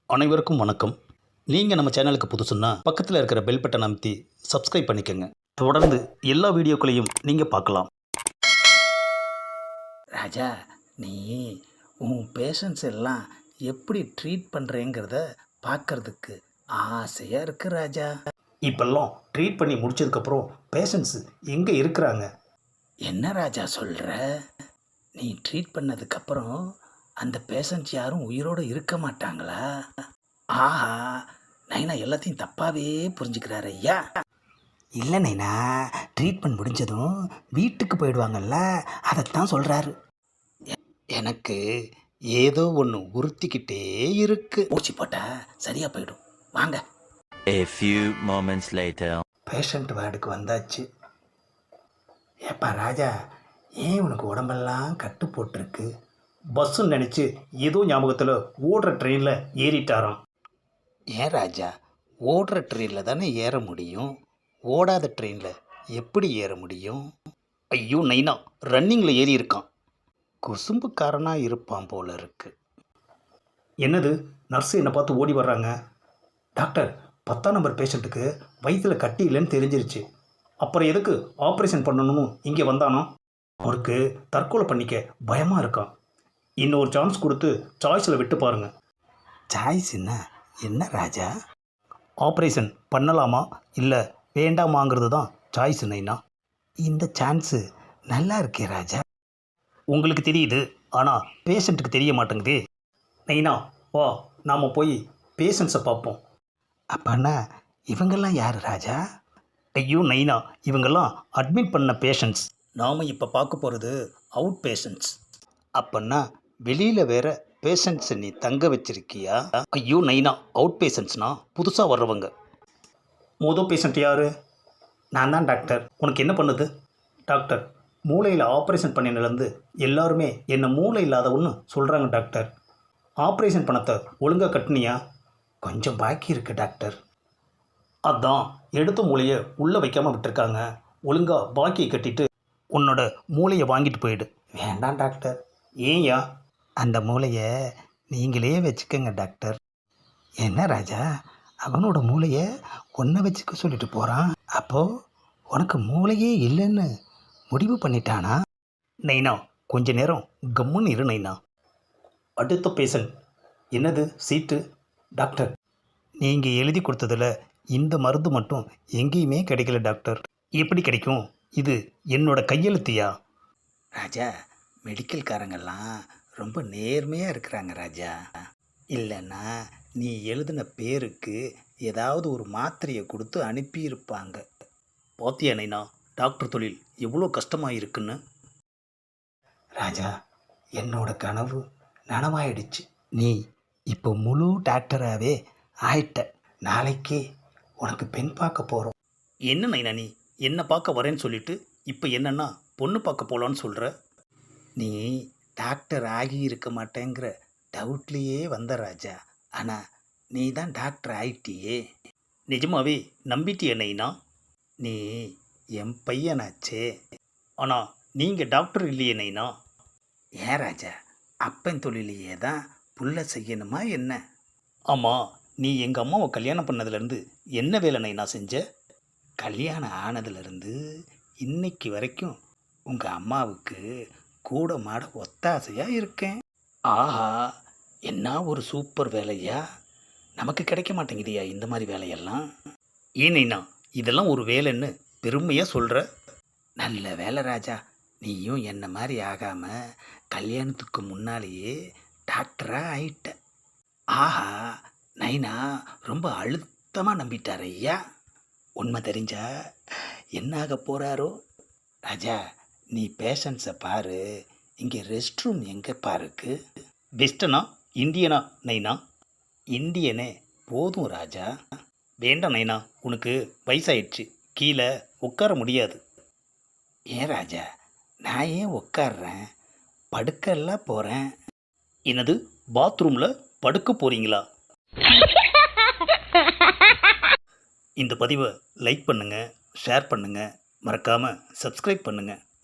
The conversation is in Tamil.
அனைவருக்கும் வணக்கம். நீங்கள் நம்ம சேனலுக்கு புதுசுன்னா பக்கத்தில் இருக்கிற பெல் பட்டனை அமைத்தி சப்ஸ்கிரைப் பண்ணிக்கோங்க. தொடர்ந்து எல்லா வீடியோக்களையும் நீங்கள் பார்க்கலாம். ராஜா, நீ உன் பேஷண்ட்ஸ் எல்லாம் எப்படி ட்ரீட் பண்ணுறேங்கிறத பார்க்கறதுக்கு ஆசையாக இருக்கு ராஜா. இப்பெல்லாம் ட்ரீட் பண்ணி முடிச்சதுக்கப்புறம் பேஷண்ட்ஸு எங்கே இருக்கிறாங்க? என்ன ராஜா சொல்கிற? நீ ட்ரீட் பண்ணதுக்கப்புறம் அந்த பேஷண்ட்ஸ் யாரும் உயிரோடு இருக்க மாட்டாங்களா? ஆஹா, நைனா எல்லாத்தையும் தப்பாகவே புரிஞ்சுக்கிறாரு ஐயா. இல்லை நைனா, ட்ரீட்மெண்ட் முடிஞ்சதும் வீட்டுக்கு போயிடுவாங்கல்ல, அதைத்தான் சொல்கிறாரு. எனக்கு ஏதோ ஒன்று உறுத்திக்கிட்டே இருக்கு. ஊசி போட்டால் சரியாக போயிடும். வாங்க. A few moments later. Patient வார்டுக்கு வந்தாச்சு. ஏப்பா ராஜா, ஏன் உனக்கு உடம்பெல்லாம் கட்டு போட்டிருக்கு? பஸ்ஸுன்னு நினச்சி ஏதோ ஞாபகத்தில் ஓடுற ட்ரெயினில் ஏறிட்டாராம். ஏன் ராஜா, ஓடுற ட்ரெயினில் தானே ஏற முடியும், ஓடாத ட்ரெயினில் எப்படி ஏற முடியும்? ஐயோ நைனா, ரன்னிங்கில் ஏறி இருக்கான். குசும்புக்காரனாக இருப்பான் போல இருக்கு. என்னது, நர்ஸு என்னை பார்த்து ஓடி வர்றாங்க. டாக்டர், 10ஆம் நம்பர் பேஷண்ட்டுக்கு வயிற்றில் கட்டி இல்லைன்னு தெரிஞ்சிருச்சு. அப்புறம் எதுக்கு ஆப்ரேஷன் பண்ணணும்னு இங்கே வந்தானோ? அவருக்கு தற்கொலை பண்ணிக்க பயமாக இருக்கான். இன்னொரு சான்ஸ் கொடுத்து சாய்ஸில் விட்டு பாருங்கள். சாய்ஸ் என்ன ராஜா? ஆப்ரேஷன் பண்ணலாமா இல்லை வேண்டாமாங்கிறது தான் சாய்ஸ் நைனா. இந்த சான்ஸு நல்லா இருக்கே ராஜா. உங்களுக்கு தெரியுது, ஆனால் பேஷண்ட்டுக்கு தெரிய மாட்டேங்குதே. நைனா வா, நாம் போய் பேஷண்ட்ஸை பார்ப்போம். அப்பன்னா இவங்கெல்லாம் யார் ராஜா? ஐயோ நைனா, இவங்கெல்லாம் அட்மிட் பண்ண பேஷண்ட்ஸ். நாம் இப்போ பார்க்க போகிறது அவுட் பேஷண்ட்ஸ். அப்பன்னா வெளியில் வேற பேஷண்ட்ஸை நீ தங்க வச்சிருக்கியா? ஐயோ நைனா, அவுட் பேஷண்ட்ஸ்னா புதுசாக வர்றவங்க. மொதல் பேஷண்ட் யார்? நான் தான் டாக்டர். உனக்கு என்ன பண்ணுது? டாக்டர், மூளையில் ஆப்ரேஷன் பண்ணினதுலேருந்து எல்லாருமே என்னை மூளை இல்லாதவன்னு சொல்கிறாங்க டாக்டர். ஆப்ரேஷன் பணத்தை ஒழுங்காக கட்டினியா? கொஞ்சம் பாக்கி இருக்கு டாக்டர். அதான் எடுத்த மூளையை உள்ளே வைக்காமல் விட்டுருக்காங்க. ஒழுங்காக பாக்கியை கட்டிட்டு உன்னோட மூளையை வாங்கிட்டு போயிடு. வேண்டாம் டாக்டர். ஏன்யா? அந்த மூளையை நீங்களே வச்சுக்கோங்க டாக்டர். என்ன ராஜா, அவனோட மூளையை ஒன்றை வச்சுக்க சொல்லிட்டு போகிறான். அப்போது உனக்கு மூளையே இல்லைன்னு முடிவு பண்ணிட்டானா? நைனா, கொஞ்ச நேரம் கம்முன்னு இரு நைனா. அடுத்த பேஷண்ட். என்னது சீட்டு? டாக்டர், நீங்கள் எழுதி கொடுத்ததில் இந்த மருந்து மட்டும் எங்கேயுமே கிடைக்கல டாக்டர். எப்படி கிடைக்கும்? இது என்னோட கையெழுத்தியா? ராஜா, மெடிக்கல்காரங்கெல்லாம் ரொம்ப நேர்மையாக இருக்கிறாங்க ராஜா. இல்லைன்னா நீ எழுதின பேருக்கு ஏதாவது ஒரு மாத்திரையை கொடுத்து அனுப்பியிருப்பாங்க. பாத்தியா நைனா, டாக்டர் தொழில் எவ்வளோ கஷ்டமாக இருக்குன்னு. ராஜா, என்னோட கனவு நனவாயிடுச்சு. நீ இப்போ முழு டாக்டராகவே ஆயிட்ட. நாளைக்கே உனக்கு பெண் பார்க்க போகிறோம். என்ன நைனா, நீ என்னை பார்க்க வரேன்னு சொல்லிட்டு இப்போ என்னன்னா பொண்ணு பார்க்க போகலான்னு சொல்கிற? நீ டாக்டர் ஆகி இருக்க மாட்டேங்கிற டவுட்லேயே வந்த ராஜா. ஆனால் நீ தான் டாக்டர் ஆயிட்டியே. நிஜமாவே நம்பிட்டிய நைனா? நீ என் பையனாச்சே. ஆனால் நீங்கள் டாக்டர் இல்லையே நைனா. ஏன் ராஜா, அப்பன் தொழிலையே தான் புள்ள செய்யணுமா என்ன? ஆமாம், நீ எங்கள் அம்மாவை கல்யாணம் பண்ணதுலேருந்து என்ன வேலை நைனா செஞ்ச? கல்யாணம் ஆனதுலேருந்து இன்னைக்கு வரைக்கும் உங்கள் அம்மாவுக்கு கூட மாட ஒத்தாசையாக இருக்கேன். ஆஹா, என்ன ஒரு சூப்பர் வேலையா! நமக்கு கிடைக்க மாட்டேங்குதியா இந்த மாதிரி வேலையெல்லாம்? ஏன் நைனா, இதெல்லாம் ஒரு வேலைன்னு பெருமையாக சொல்கிற? நல்ல வேலை ராஜா, நீயும் என்ன மாதிரி ஆகாமல் கல்யாணத்துக்கு முன்னாலேயே டாக்டராக ஆயிட்ட. ஆஹா, நைனா ரொம்ப அழுத்தமாக நம்பிட்டார் ஐயா. உண்மை தெரிஞ்சா என்ன ஆக போகிறாரோ? ராஜா, நீ பேஷண்ட்ஸை பாரு. இங்கே ரெஸ்ட் ரூம் எங்கேப்பா இருக்கு? வெஸ்டர்னா இந்தியனா நைனா? இந்தியனே போதும் ராஜா. வேண்டாம் நைனா, உனக்கு வயசாயிடுச்சு, கீழே உட்கார முடியாது. ஏன் ராஜா, நான் ஏன் உட்கார்றேன்? படுக்கெல்லாம் போகிறேன். என்னது, பாத்ரூமில் படுக்க போகிறீங்களா? இந்த பதிவை லைக் பண்ணுங்கள், ஷேர் பண்ணுங்கள், மறக்காமல் சப்ஸ்கிரைப் பண்ணுங்கள்.